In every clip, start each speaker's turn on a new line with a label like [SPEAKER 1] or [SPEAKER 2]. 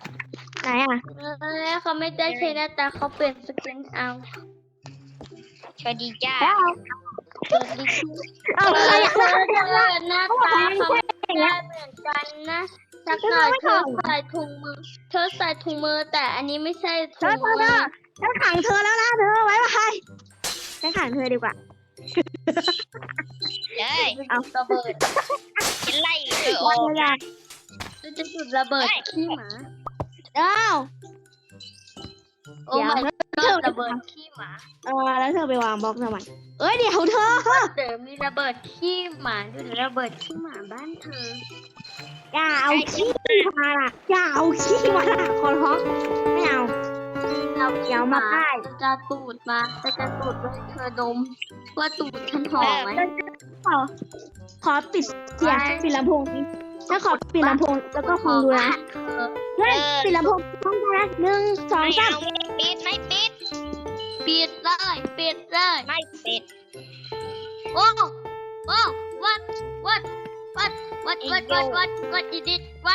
[SPEAKER 1] ไหนอ่ะ
[SPEAKER 2] เขาไม่ได้ใช้หน้าตาเขาเปลี่ยนสกินเอา
[SPEAKER 3] สวัสดีจ้า
[SPEAKER 1] แล้ว
[SPEAKER 2] เปิดดิคิว
[SPEAKER 1] เอาใครอยากได้
[SPEAKER 2] หน้าตาเขาไม่ได้เหมือนกันนะสักหน่อยเธอใส่ถุงมือแต่อันนี้ไม่ใช่ถุงมือ
[SPEAKER 1] ฉันขังเธอแล้วนะเธอไว้ไว้ฉันขังเธอดีกว่า
[SPEAKER 3] เอ้ย
[SPEAKER 2] เอาระเบิด
[SPEAKER 3] ฉันไล่เธออ
[SPEAKER 1] วั
[SPEAKER 3] อน ก
[SPEAKER 1] เวลา
[SPEAKER 2] จะจุดระเบิดขี้หมา
[SPEAKER 1] อ้าว
[SPEAKER 2] โอ้ไม่ก็ระเบิดขี้หมา
[SPEAKER 1] แล้วเธอไปวางบล็อกทำไมเอ้ยเดี๋ยวเธอ
[SPEAKER 2] เดี๋ยวมีระเบิดขี้หมาด้วยระเบิดขี้หมาบ้านเธอ
[SPEAKER 1] อย่าเอาขี้มาล่ะอย่าเอาขี้มาล่ะขอร้องไม่เอา
[SPEAKER 2] เรา
[SPEAKER 1] เดี๋ยวมาป้าย
[SPEAKER 2] จะตูดมาจะตูดไว้เธอดมว่าตูดฉันหอมไหม
[SPEAKER 1] ขอปิดเสียงปิดลำโพงนี้ถ้าขอปิดลำโพงแล้วก็คงดูนะเฮ้ยปิดลำโพงต้องนะ1 2
[SPEAKER 3] ไม่
[SPEAKER 1] 3
[SPEAKER 3] เอาปิดไม่ปิด
[SPEAKER 2] ปิดเลยปิดเลย
[SPEAKER 3] ไม่ปิด
[SPEAKER 2] โอ้what you did what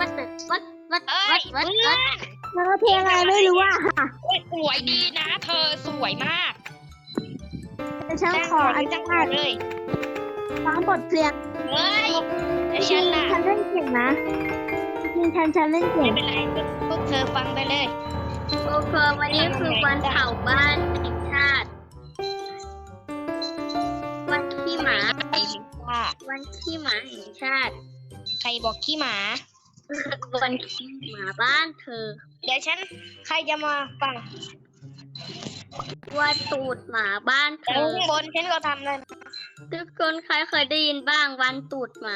[SPEAKER 1] เธอเพลงอะไรไม่รู้อ่ะ
[SPEAKER 3] โอ้ยสวยดีนะ เธอสวยมาก
[SPEAKER 1] แต่ฉันขออนุญาต
[SPEAKER 3] เลย
[SPEAKER 1] ฟังบทเพลง
[SPEAKER 3] เฮ้ย
[SPEAKER 1] จริ
[SPEAKER 3] ฉั
[SPEAKER 1] ง
[SPEAKER 3] นล่ะ
[SPEAKER 1] ฉันเล่นเก่งนะจริงฉันเล่นเก่
[SPEAKER 3] ไม่
[SPEAKER 1] ง
[SPEAKER 3] เป็นไรพวกเธอฟังไปเลย
[SPEAKER 2] โอเควันนี้คือวันเผาบ้านแห่งชาติวันขี้หมา
[SPEAKER 3] ว่า
[SPEAKER 2] วันขี้หมาแห่งชาติ
[SPEAKER 3] ใครบอกขี้หมา
[SPEAKER 2] วันขี้หมาบ้านเธอ
[SPEAKER 3] เดี๋ยวฉันใครจะมาฟัง
[SPEAKER 2] วันตูดหมาบ้านเธ
[SPEAKER 3] ข้าง
[SPEAKER 2] อบ
[SPEAKER 3] นฉันก็ทำเลย
[SPEAKER 2] ทุกคนใครเคยได้ยินบ้างวันตูดหมา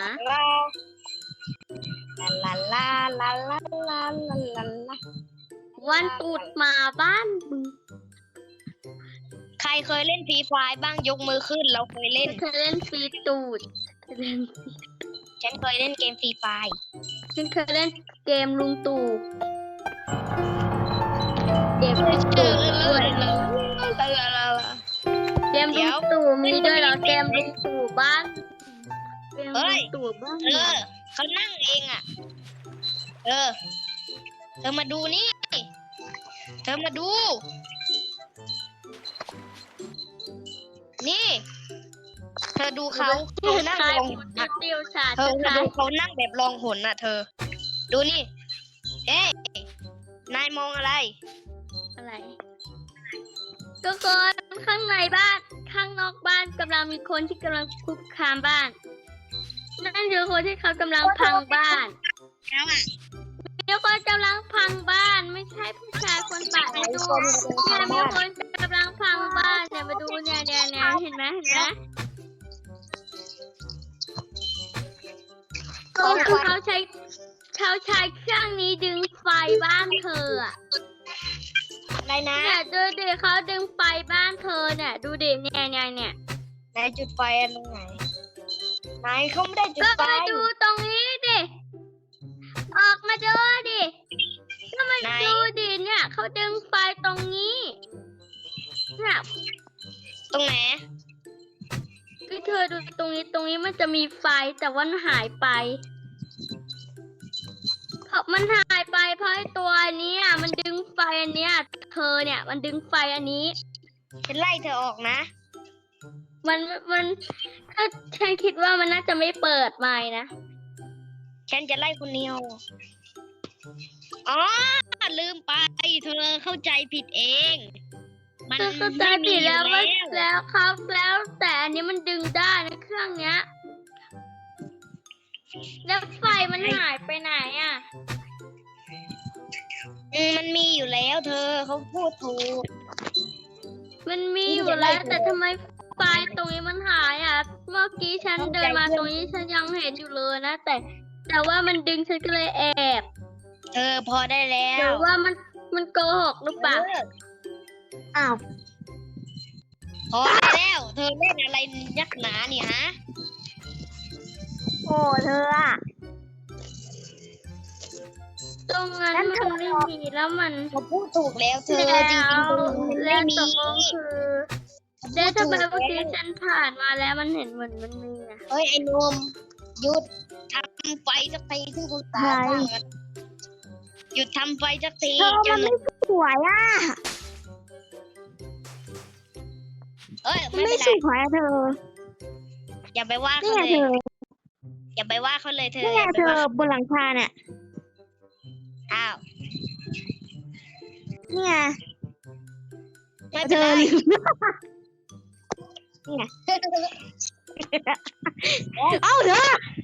[SPEAKER 3] ลาลาลาลาลาลาลาลา
[SPEAKER 2] วันตูดหมาบ้านมึง
[SPEAKER 3] ใครเคยเล่นฟรีไฟบ้างยกมือขึ้นเราเคยเล่น
[SPEAKER 2] เธอเล่นฟรีตูด
[SPEAKER 3] ฉันเคยเล่นเกมฟรีไฟ
[SPEAKER 2] ฉันเคยเล่นเกมลุงตู่เกมลุง
[SPEAKER 3] เอ
[SPEAKER 2] ตู่
[SPEAKER 3] อ
[SPEAKER 2] ด้วย เกม
[SPEAKER 3] เดี๋
[SPEAKER 2] ลุ
[SPEAKER 3] ยว
[SPEAKER 2] งตู่มีด้วยเหรอเกมลุงตู่บ้านเกมลุงตู่บ้าน
[SPEAKER 3] เขานั่งเองอ่ะ เธอมาดูนี่ เธอมาดู นี่ เธอดูเขานั่งลองหนอ่ะ
[SPEAKER 2] เตียวชา
[SPEAKER 3] เธอดูเขานั่งแบบลองหนอ่ะ เธอ ดูนี่ เอ๊ะนายมองอะไร
[SPEAKER 2] อะไรทุกคนข้างในบ้านข้างนอกบ้านกำลังมีคนที่กำลังคุกคามบ้าน นั่นคือคนที่เขากำลังพังบ้าน
[SPEAKER 3] แล้วอ่ะ
[SPEAKER 2] มีคนกำลังพังบ้านไม่ใช่ผู้ชายคนป่ามาดูเนี่ยมีคนกำลังพังบ้านเนี่ยมาดูเนี่ยเห็นไหมเขาใช้เครื่องนี้ดึงไฟบ้านเธออะ
[SPEAKER 3] อะไรนะ
[SPEAKER 2] เนี่ยดูดิเขาดึงไฟบ้านเธอเนี่ยดูดิเนี่ย
[SPEAKER 3] นายจุดไฟอันตรงไหนนายเขาไม่ได้จุด
[SPEAKER 2] ก็
[SPEAKER 3] ไฟ
[SPEAKER 2] มาดูตรงนี้ดิออกมาดูดิก็มาดูดิเนี่ยเขาดึงไฟตรงนี้เนี่ย
[SPEAKER 3] ตรงไหน
[SPEAKER 2] คือเธอดูตรงนี้มันจะมีไฟแต่ว่ามันหายไปเพราะมันหายไปเพราะไอ้ตัวนี้มันดึงไฟอันเนี้ยเธอเนี่ยมันดึงไฟอันนี้
[SPEAKER 3] ฉันไล่เธอออกนะ
[SPEAKER 2] มันถ้าฉันคิดว่ามันน่าจะไม่เปิดไมค์นะ
[SPEAKER 3] ฉันจะไล่คนเดียวอ๋อลืมไป เธอเข้าใจผิดเอง มัน
[SPEAKER 2] เธอเข้าใจผิดแล้วว่าแล้วครับแล้วแต่อันนี้มันดึงได้นะเครื่องเนี้ยแล้วไฟมันหายไปไหนอ่ะ
[SPEAKER 3] มันมีอยู่แล้ว เธอเขาพูดถูก
[SPEAKER 2] มันมีอยู่แล้วแต่ทำไมไฟตรงนี้มันหายอ่ะเมื่อกี้ฉันเดินมาตรงนี้ฉันยังเห็นอยู่เลยนะแต่ว่ามันดึงฉันก็เลยแอบ
[SPEAKER 3] เธอพอได้แล้
[SPEAKER 2] หรื
[SPEAKER 3] ว
[SPEAKER 2] อว่ามันโกหกหรือเปล่า
[SPEAKER 1] อ้าว
[SPEAKER 3] พอได้แล้ว เธอเล่นอะไรยักหนาเนี่ยฮะ
[SPEAKER 1] โอ้เธออ่ะ
[SPEAKER 2] ตรงนั้นมันไม่มีแล้วมัน
[SPEAKER 3] เขาพูดถูกแล้ว เธอจริงๆตรงนี้มัน
[SPEAKER 2] แล้
[SPEAKER 3] ไม่
[SPEAKER 2] วต
[SPEAKER 3] มี
[SPEAKER 2] กลงคือแล้วทำไมเมื่อกี้ฉันผ่านมาแล้วมันเห็นเหมือนมันมีอ่ะ
[SPEAKER 3] เฮ้ยไอ้หนมหยุดทำไฟสักทีที่คุณตาตั้งอะหยุดทำไฟสักที
[SPEAKER 1] เธอ
[SPEAKER 3] เจ้า
[SPEAKER 1] มัน
[SPEAKER 3] หนู
[SPEAKER 1] ไม่สวยอ่ะ
[SPEAKER 3] เอ้ย
[SPEAKER 1] มัน
[SPEAKER 3] ไม่
[SPEAKER 1] ไม่
[SPEAKER 3] เป็น
[SPEAKER 1] ส
[SPEAKER 3] ไร
[SPEAKER 1] วยอะเธอ
[SPEAKER 3] อย่าไปว่า
[SPEAKER 1] นี่
[SPEAKER 3] เขา
[SPEAKER 1] ไง
[SPEAKER 3] เลย
[SPEAKER 1] เธอ
[SPEAKER 3] อย่าไปว่าเขาเลยเธอ
[SPEAKER 1] นี่
[SPEAKER 3] อ
[SPEAKER 1] ไง
[SPEAKER 3] ย่าไป
[SPEAKER 1] เธอ
[SPEAKER 3] ว่า
[SPEAKER 1] บนหลังคาเนี่ย
[SPEAKER 3] อ้าว
[SPEAKER 1] นี่ไง
[SPEAKER 3] ไม่
[SPEAKER 1] เธ
[SPEAKER 3] เป็น
[SPEAKER 1] อ
[SPEAKER 3] ไร
[SPEAKER 1] ลืมนี่ไงเอ้าเธอก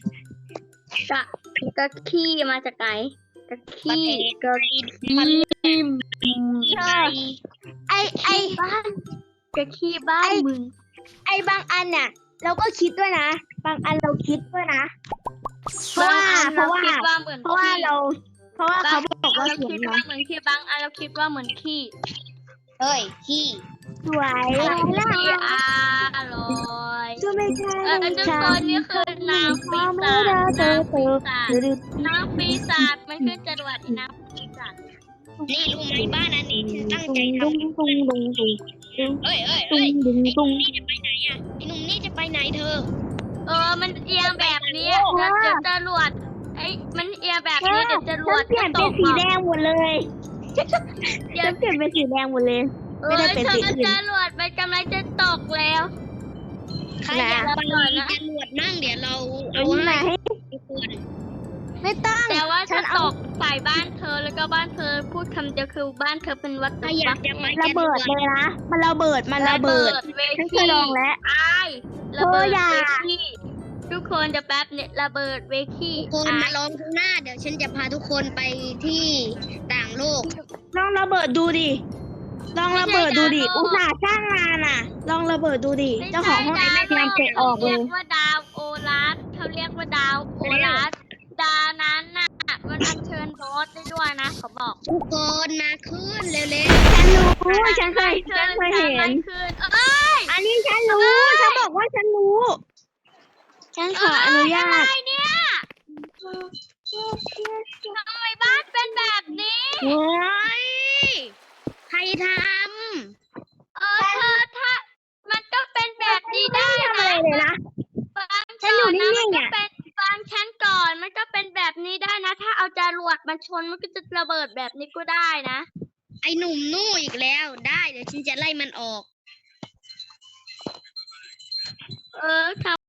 [SPEAKER 2] ะขี้มาจากไหนกะขี้กะขี้
[SPEAKER 1] เธอไอ
[SPEAKER 2] บ้านกะขี้บ้านมึง
[SPEAKER 1] ไอบางอันเนี่ยเราก็คิดด้วยนะ บางอันเราคิดด้วยนะ เพราะว่า
[SPEAKER 2] บงอันคิดว่าเหมือน
[SPEAKER 1] เพราะว่า
[SPEAKER 2] ขี้
[SPEAKER 1] เพราะว่าเขาบอกว่า
[SPEAKER 2] เรา
[SPEAKER 1] สวย
[SPEAKER 2] คิด
[SPEAKER 1] นะ
[SPEAKER 2] ว่าเหมือนขี้บางอันเราคิดว่าเหมือนขี้
[SPEAKER 3] เฮ้ย ขี้
[SPEAKER 1] สวย
[SPEAKER 2] ไอ้
[SPEAKER 1] แล้ว
[SPEAKER 2] ขี้อร่อย
[SPEAKER 1] ก็ไม่ใช่
[SPEAKER 2] ทุกคนนี่คือนางปีศาจนางปีศาจนางปีศาจมันขึ้นจรวดไอ้นางปีศาจ
[SPEAKER 3] นี่รู้ไหมบ้านอันนี้ฉันตั้งใจท
[SPEAKER 1] ตุ้งตุ้งตุ้งตุ้ง
[SPEAKER 3] ำเอ้ย
[SPEAKER 1] ตุ้ง
[SPEAKER 3] ไอ้
[SPEAKER 1] ตุ้ง
[SPEAKER 3] ห
[SPEAKER 1] ตุ้
[SPEAKER 3] นุ่
[SPEAKER 1] ง
[SPEAKER 3] มนี่จะไปไหนอ่ะไอ้หนุ่มนี่จะไปไหนเธอ
[SPEAKER 2] มันเอียงแบบนี้เดี๋ยวจรวดมันเอียงแบบนี้เดี๋ยวจรวด
[SPEAKER 1] เปลี่ยนเป็นสีแดงหมดเลย
[SPEAKER 2] เดี๋ยว
[SPEAKER 1] ฉันเปลี่ยนเป็นสีแดงหมดเลย ไม่ได้เป็นสีอื่น
[SPEAKER 2] จรวดมันกำลังจะตกแล้ว
[SPEAKER 3] ใครอยากไปจรวดนั่งเดี๋ยวเราเอา
[SPEAKER 1] เอาไหน
[SPEAKER 3] ให้ทุกคน
[SPEAKER 1] ไม่ต้อง
[SPEAKER 2] แต่ว่า
[SPEAKER 1] ฉั
[SPEAKER 2] จะ
[SPEAKER 1] น
[SPEAKER 2] ต
[SPEAKER 1] เอา
[SPEAKER 2] กใส่บ้านเธอแล้วก็บ้านเธอพูดคำเดียวคือบ้านเธอเป็นวัต
[SPEAKER 3] ใคร
[SPEAKER 2] ถุ
[SPEAKER 3] อยากจะไประ
[SPEAKER 1] เบิดเลยนะ มันระเบิด มันระเบิด
[SPEAKER 2] เว
[SPEAKER 1] ฉันเค
[SPEAKER 2] ที
[SPEAKER 1] ยลองแล้ว
[SPEAKER 2] ระเบิด
[SPEAKER 1] อย่า
[SPEAKER 2] เวทีทุกคนจะแป๊บเนี่ยระเบิดเวที
[SPEAKER 3] ทุกคนมาล้อมข้างหน้า เดี๋ยวฉันจะพาทุกคนไปที่ต่างโลก
[SPEAKER 1] ลองระเบิดดูดิ ลองระเบิดดูดิ อุตส่าห์จ้างงานอ่ะ ลองระเบิดดูดิ เจ้าของห้องแอร์พยายามเตะออกเล
[SPEAKER 2] เรี
[SPEAKER 1] ย
[SPEAKER 2] ยกว่าดาวโอลัสเขาเรียกว่าดาวโอลัสดาวนั้นน่ะมันอัญเชิญบอสได้ด้วยนะเขาบอก
[SPEAKER 3] ทุกคนมาขึ้นเร็ว
[SPEAKER 1] ฉันรู้ ฉันเคยเห็น
[SPEAKER 2] คืนเอ้ย
[SPEAKER 1] อันนี้ฉันรู้ ฉันบอกว่าฉันรู้ ฉันขออนุญา
[SPEAKER 2] อะไร
[SPEAKER 1] ต
[SPEAKER 2] เนี่ยทำไมบ้านเป็นแบบนี้
[SPEAKER 3] ๆโอ้ยใครท
[SPEAKER 2] เธอถ้ามันก็เป็นแบบนี้ได้
[SPEAKER 1] ทำอะไร
[SPEAKER 2] นะ
[SPEAKER 1] เลยนะ
[SPEAKER 2] ฟัง
[SPEAKER 1] ฉันอยู่
[SPEAKER 2] ก่ะ
[SPEAKER 1] นิ่งๆ
[SPEAKER 2] มั
[SPEAKER 1] อะ
[SPEAKER 2] ก็เป็นฟังฉันก่อนมันก็เป็นแบบนี้ได้นะ ถ้าเอาจรวดมาชนมันก็จะระเบิดแบบนี้ก็ได้นะ
[SPEAKER 3] ำไอ้หนุ่มนู่อีกแล้ว ได้เดี๋ยวฉันจะไล่มันออก
[SPEAKER 2] ทำ